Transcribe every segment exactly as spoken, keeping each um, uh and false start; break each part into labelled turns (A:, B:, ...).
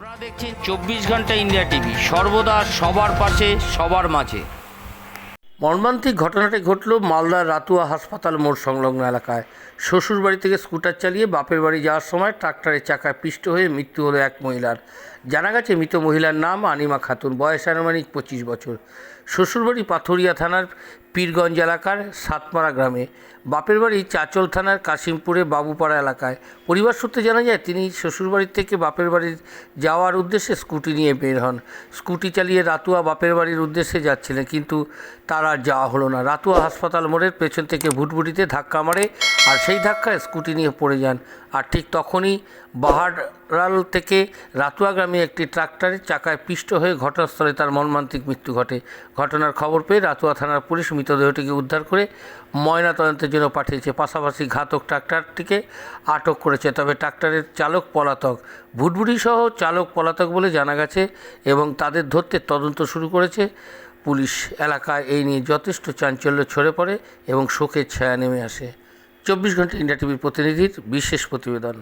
A: আপনারা দেখছেন চব্বিশ ঘন্টা ইন্ডিয়া টিভি, সর্বদা সবার পাশে সবার মাঝে। মর্মান্তিক ঘটনাটি ঘটল মালদার রাতুয়া হাসপাতাল মোড় সংলগ্ন এলাকায়। শ্বশুর বাড়ি থেকে স্কুটার চালিয়ে বাপের বাড়ি যাওয়ার সময় ট্রাক্টরের চাকায় পিষ্ট হয়ে মৃত্যু হলো এক মহিলার। জানা গেছে মৃত মহিলার নাম আনিমা খাতুন, বয়স আনুমানিক পঁচিশ বছর। শ্বশুরবাড়ি পাথুরিয়া থানার পীরগঞ্জ এলাকার সাতমারা গ্রামে, বাপের বাড়ি চাচল থানার কাশিমপুরে বাবুপাড়া এলাকায়। পরিবার সূত্রে জানা যায় তিনি শ্বশুরবাড়ির থেকে বাপের বাড়ির যাওয়ার উদ্দেশ্যে স্কুটি নিয়ে বের হন। স্কুটি চালিয়ে রাতুয়া বাপের বাড়ির উদ্দেশ্যে যাচ্ছিলেন, কিন্তু তার আর যাওয়া হলো না। রাতুয়া হাসপাতাল মোড়ের পেছন থেকে ভুটভুটিতে ধাক্কা মারে, আর সেই ধাক্কায় স্কুটি নিয়ে পড়ে যান। আর ঠিক তখনই বাহারাল থেকে রাতুয়া গ্রামে একটি ট্রাক্টরের চাকায় পিষ্ট হয়ে ঘটনাস্থলে তার মর্মান্তিক মৃত্যু ঘটে। ঘটনার খবর পেয়ে রাতুয়া থানার পুলিশ মৃতদেহটিকে উদ্ধার করে ময়নাতদন্তের জন্য পাঠিয়েছে। পাশাপাশি ঘাতক ট্রাক্টরটিকে আটক করেছে। তবে ট্রাক্টরের চালক পলাতক, ভুটভুটি সহ চালক পলাতক বলে জানা গেছে এবং তাদের ধরতে তদন্ত শুরু করেছে পুলিশ। এলাকায় এই নিয়ে যথেষ্ট চাঞ্চল্য ছড়ে পড়ে এবং শোকের ছায়া নেমে আসে। চব্বিশ ঘন্টা ইন্ডিয়া টিভির প্রতিনিধির বিশেষ প্রতিবেদন।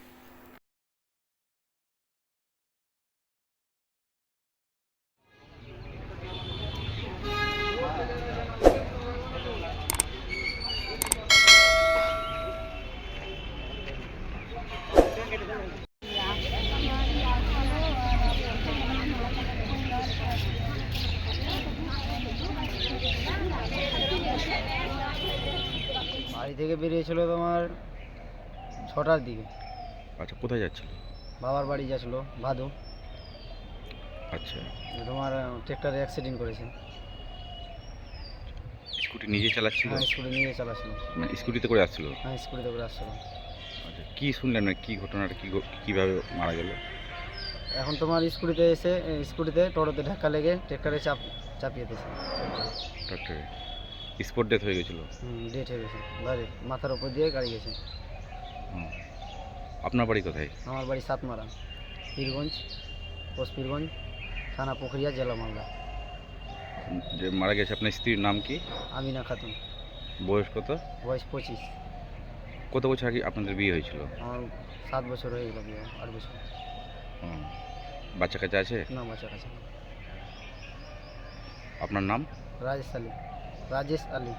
B: বাড়ি থেকে বেরিয়েছিল তোমার ছটার দিকে।
C: আচ্ছা, কোথায় যাচ্ছিল?
B: বাবার বাড়ি যাচ্ছিল ভাদু।
C: আচ্ছা,
B: তোমার ট্রেক্টরে অ্যাক্সিডেন্ট করেছে।
C: স্কুটি নিজে চালাচ্ছিল?
B: হ্যাঁ, স্কুটি নিয়ে চালাচ্ছিল।
C: মানে স্কুটিতে করে আসছিল?
B: হ্যাঁ, স্কুটিতে করে আসছিল।
C: আচ্ছা, কি শুনলেন, মানে কি ঘটনাটা, কি কীভাবে মারা গেল?
B: এখন তোমার স্কুটিতে এসে স্কুটিতে টোটোতে ধাক্কা লেগে ট্রেক্টরে চাপ চাপিয়ে দিয়েছে।
C: ট্রাক্টরে স্পট ডেথ হয়ে গেছিলো?
B: হুম, ডেট হয়ে গেছে। গাড়ি মাথার উপর দিয়ে গাড়ি গেছে।
C: হুম। আপনার বাড়ি কোথায়?
B: আমার বাড়ি সাতমারা, পীরগঞ্জ, পোস্ট পীরগঞ্জ, থানা পুখরিয়া, জেলা মালদা।
C: যে মারা গেছে আপনার স্ত্রীর নাম কি?
B: আমিনা খাতুন।
C: বয়স কত?
B: বয়স পঁচিশ।
C: কত বছর আগে আপনাদের বিয়ে হয়েছিল?
B: আমার সাত বছর হয়ে গেল বিয়ে, আট বছর।
C: হুম। বাচ্চা কাচ্চা আছে?
B: না, বাচ্চা কাছে।
C: আপনার নাম?
B: রাজেশ আলী। রাজেশ আলী।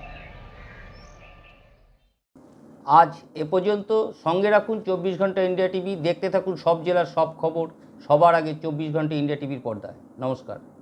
A: আজ এ পর্যন্ত। সঙ্গে রাখুন চব্বিশ ঘন্টা ইন্ডিয়া টিভি। দেখতে থাকুন সব জেলার সব খবর সবার আগে চব্বিশ ঘন্টা ইন্ডিয়া টিভির পর্দায়। নমস্কার।